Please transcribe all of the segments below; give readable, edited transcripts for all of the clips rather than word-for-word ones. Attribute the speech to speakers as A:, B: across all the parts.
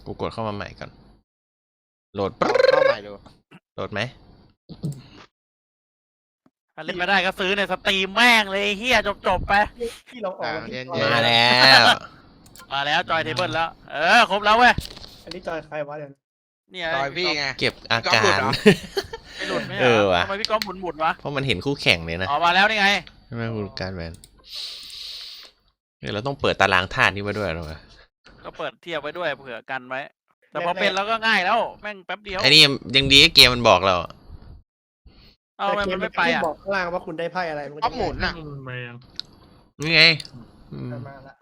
A: กูกดเข้ามาใหม่ก่อนโหลด
B: เข้าใหม่ดู
A: โหลดไหม
C: ถ้าเล่นไม่ได้ก็ซื้อในสตรีมแม่งเลยเฮียจบไป
D: ที่เราออก
B: เย็น
A: มาแล้ว
C: มาแล้วจอยเทเบิลแล้ว ครบแล้วเว้ย
D: อันนี้จอยใครวะเดี๋ยว
C: เนี่ย
B: ต่อยพี่ไง
A: เก็บอา
B: ก๊อฟ
A: กา
B: หลุด
A: ร
B: เหรอ
C: ไม่หลุดไม่
A: เออว่ะ
C: ทำไมพี่ก้อมหมุนวะ
A: เพราะมันเห็นคู่แข่งเลยนะ
C: อ๋อมาแล้วนี่ไง
A: ใช่ไหมคุณการแมนเดี๋ยวเราต้องเปิดตารางธาตุนี้มาด้วยหรอวะ
C: ก็เปิดเทียบไว้ด้วยเผื่อกันไว้ แต่พอเป็นแล้วก็ง่ายแล้วแม่งแป๊บเดียว
A: ไอ้นี่ยังดีที่เกมมันบอกเราอะ
C: เอาทำไมมันไม่ไปอ่ะ
D: บอกข้างล่างว่าคุณได้ไพ่อะไร
B: ก๊อฟหมุนน่ะ
E: มายัง
A: นี่ไงอืม
D: มาละ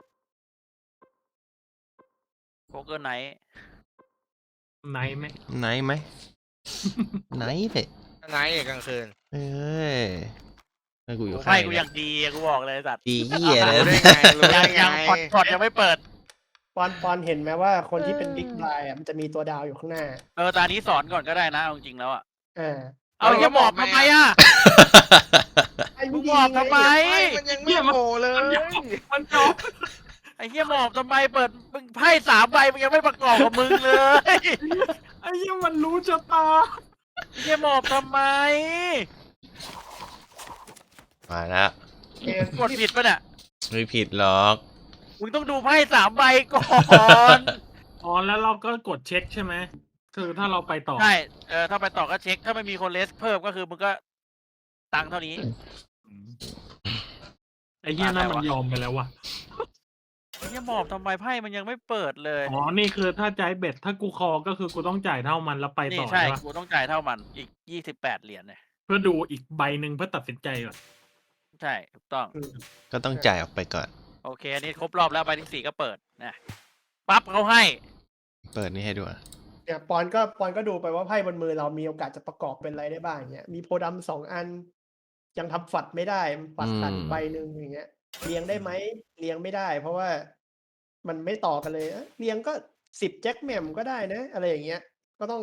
C: โป๊กเกอร์ไนท์
E: ไหนไหม
A: ไหนไหม ไหนเลย
B: ไนท์กลางคืน
A: เอ้ยให้กูอยู่
C: ไพ่
A: ข้าง
C: กู
A: เนี่
C: อย ย่างดีอะกูบอกเลยไอ้สัตว์
A: ดีเหี้ยเลย
B: รู้ได้ไงรู้ได้ไง
C: ยังพอร์ตยังไม่เปิด
D: ปอนเห็นไหมว่าคนที่เป็นบิ๊กไบรอ่ะมันจะมีตัวดาวอยู่ข้างหน้า
C: ตานี้สอนก่อนก็ได้นะเอาจริงๆแล้วอ่ะ
D: อ่า
C: เอาอย่าบอกทำไมอ่ะ
D: ไอ้
C: มึงบอกทำไม
B: มันยังไม่โผล่เลย
E: มันจบ
C: ไอ้เหี้ยหมอบทำไมเปิดมึงไพ่3 ใบมึงยังไม่ประกอบกับมึงเลย
E: ไอ้เหี้ยมันรู้ชะตา
C: ไอ้เหี้ยหมอบทำไม
A: มาแล้ว
C: กดผิดปะเนี่ย
A: ไม่ผิดหรอก
C: มึงต้องดูไพ่3 ใบก่อน
E: อ๋อแล้วเราก็กดเช็คใช่ไหมคือถ้าเราไปต่อ
C: ใช่ถ้าไปต่อก็เช็คถ้าไม่มีคนเลสเพิ่มก็คือมึงก็ตังค์เท่านี้
E: ไอ้เหี้ยนั่นมันยอมไปแล้วว่ะ
C: ไอ้เหี้ยหมอบทำไมไพ่มันยังไม่เปิดเลย
E: อ๋อนี่คือถ้าใจเบ็ดถ้ากูคอก็คือกูต้องจ่ายเท่ามันแล้วไป
C: นี่
E: ต่อ
C: ใช่
E: ใช่ปะ
C: กูต้องจ่ายเท่ามันอีก28 เหรียญเนี่ย
E: เพื่อดูอีกใบหนึ่งเพื่อตัดสินใจก่อน
C: ใช่ถูกต้อง
A: ก็ต้องจ่ายออกไปก่อน
C: โอเคอันนี้ครบรอบแล้วใบที่ 4ก็เปิดนะปั๊บเขาให้
A: เปิดนี่ให้ด้วย
D: เนี่ยปอนก็ดูไปว่าไพ่บนมือเรามีโอกาสจะประกอบเป็นอะไรได้บ้างเนี่ยมีโพธิ์ดำ2 อัน ยังทำฝัดไม่ได้ฝัดขาดใบหนึ่งอย่างเงี้ยเรียงได้ไหมเรียงไม่ได้ เพราะว่ามันไม่ต่อกันเลยเรียงก็10 แจ็คแหม่มก็ได้นะ อะไรอย่างเงี้ย ก็ต้อง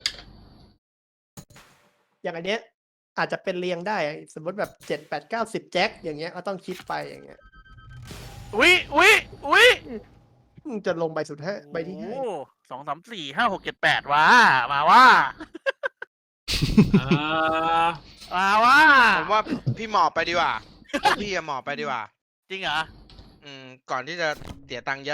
D: อย่างอันเนี้ย อาจจะเป็นเรียงได้ สมมติแบบ7 8 9 10 แจ็คอย่างเงี้ยก็ต้องคิดไปอย่างเงี้ย
C: อุ๊ย
D: จะลงใบสุดท้ายใบที่
C: โอ้
D: ห้า
C: โห2 3 4 5 6 7 8ว้ามาว่า
E: อ่า
C: มาว่า
B: ผมว่าพี่หมอบไปดีกว่าพี่อะหมอบไปดีกว่า
C: จริงเหรอ
B: ก่อนที่จะเสียตังค์เยอะ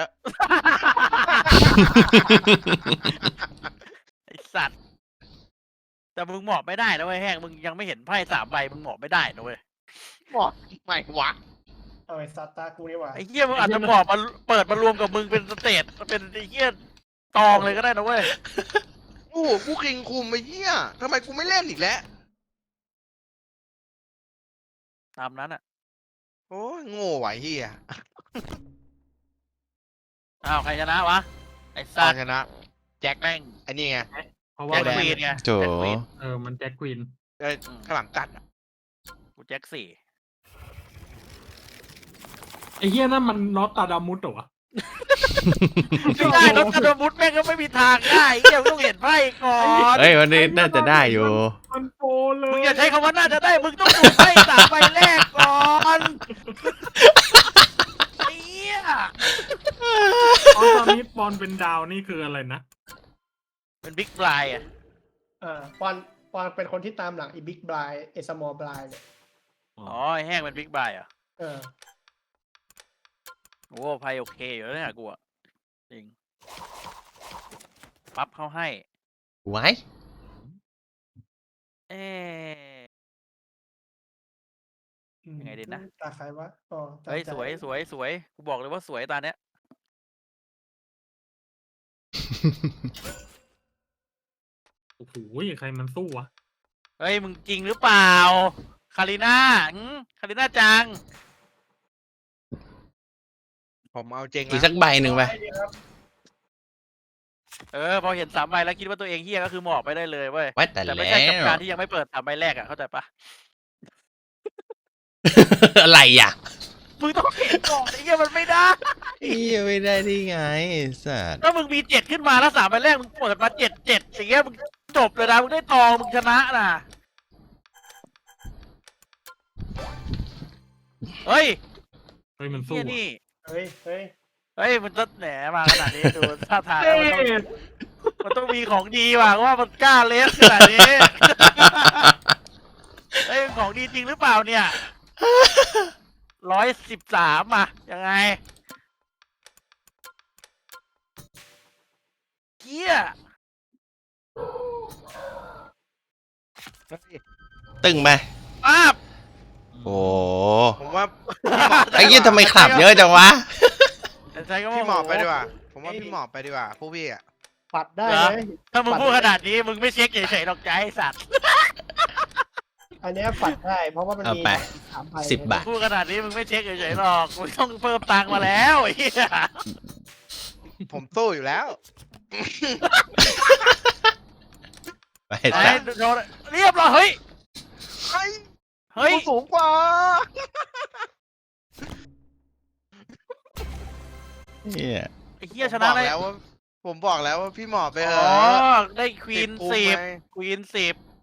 C: ไอสัตว์แต่มึงหมอบไม่ได้นะเว้ยแห้งมึงยังไม่เห็นไพ่3 ใบมึงหมอบไม่ได้นะเว้ย
B: หมอบไม่วะ
D: เอาไอ้ซาตากูนี่หว่า
C: ไอ้เหี้ยมึงอาจจะหมอบมาเปิดมารวมกับมึงเป็นสเตจเป็นไอ้เหี้ยตองเลยก็ได้นะเว้ย
B: โอ้โหกูคิงคุมไอ้เหี้ยทำไมกูไม่เล่นอีกแล้ว
C: ตามนั้นอ่ะ
B: โอ้ยโง่ไหวะไอ้เหี้ย
C: อ้าวใครชนะวะไอ้
B: ต
C: สั
B: อ
C: ต
B: น
C: ว์
B: ชนะแจ็ค
C: แม่ง
B: ไอ้นี่ไง
E: เพราะ
C: แจ็
E: ว่า
C: ค
B: แดง
C: ควีนไง
A: โจ
C: แจ็คควีน
E: มันแจ็คควีน
B: ข้างหลังตัดอะ
C: กูแจ็ค4
E: ไอ้เหี้ยนั่นมันน็อตตาดามุดเหรอวะ
C: ไม่ได้รถกระโดดมุดแม่งก็ไม่มีทางได้เหี้ยมึงต้องเห็นไพ่ก่อน
A: เฮ้ยวันนี้น่าจะได้อยู่
E: มันโปรเลย
C: มึงอย่าใช้คำว่าน่าจะได้มึงต้องดูไพ่3 ใบแรกก่อนไอ้เหี้ย
E: อ๋อตอนนี้ปอนเป็นดาวนี่คืออะไรนะ
C: เป็นบิ๊กบลายอ่ะ
D: ปอนเป็นคนที่ตามหลังไอ้บิ๊กไบรไอ้สมอลไบรเนี่ย
C: อ๋อไอ้แห้งเป็นบิ๊กบลายอ่ะ
D: เออ
C: โอ้ไพ่โอเคอยู่แล้วเนี่ยกูอ่ะจริงปั๊บเขาให้
A: ไว้
C: เอ๊ะ ยังไงดีนะ
D: ตาใครวะอ๋อตา
C: เฮ้ย
D: ใจ
C: สวยกูบอกเลยว่าสวยตาเนี้ย
E: โอ้โหใครมันสู้วะ
C: เฮ้ยมึงจริงหรือเปล่าคาริน่าคาริน่าจัง
B: ผมเอาจริง
A: อีก
B: แล้
A: สั
B: ว
A: กใบหนึ่งไป
C: พอเห็น3 ใบแล้วคิดว่าตัวเองเฮี้ยก็คือหมอบไปได้เลยเว้ย
A: ไว้แต่
C: แต่
A: แล้
C: ไม่ใช่กับ
A: ว
C: การที่ยังไม่เปิด3 ใบแรกอ่ะเข้าใจปะ
A: อะไรอ่ะ
C: มึงต้องเห็นก่อนไอ้เหี้ยมันไม่ได้
A: เหี้ยไม่ได้ที่ไงสัตว์
C: ถ้ามึงมี7ขึ้นมาแล้ว3 ใบแรกมึงเปิดมา7อย่างเงี้ยมึงจบเลยนะมึงได้ตองมึงชนะน่ะเฮ้ย
E: เฮ้ยมันสู้
C: เฮี้ย
E: อะ
C: นี่
D: เฮ้ย
C: เฮ้ยมันจะแหนมาขนาดนี้ดูท่าทางแล้วมันต้องมีของดีว่ะว่ามันกล้าเลสขนาดนี้เฮ้ยของดีจริงหรือเปล่าเนี่ย113อ่ะยังไงเกี้ย
A: ตึงไหม
C: อ้าบ
A: โอ้
B: ผมว่า
A: ไอ้ยี่ทำไมขับเยอะจังวะ
C: แต่ใช้ก็
B: พี่หมอบไปดีก
C: ว่า
B: ว่า ผมว่าพี่หมอบไปดีกว่าผู้พี่อ่ะ
D: ปัดได้ไหม
C: ถ้ามึงพูดขนาดนี้มึงไม่เช็คเฉยๆหรอกใจไอ้สัตว์
D: อันเนี้ยปัดได้เพราะว่ามัน
A: เอา
D: มี
A: ไป
D: 3 ใบ
A: 10 บาท
C: พูดขนาดนี้มึงไม่เช็คเฉยๆหรอกมึงต้องเพิ่มตังค์มาแล้วไอ้เหี้ย
B: ผมสู้อยู่แล้ว
A: ไป
C: ไหน
A: ซะ
C: โดนเรียบร้อยเฮ้ย
B: เฮ้ย
C: เฮ้ย
B: กูสูงกว่า
A: เหี้ย
C: ไอ้เหี้ยชนะ
B: ผมบอก
C: เลย
B: แล้วว่า ผมบอกแล้วว่าพี่หมอบไปเถ
C: อ๋อ
B: อะ
C: ได้ควีน
B: ติดภูมิ
C: 10
B: ไง
C: ควีน10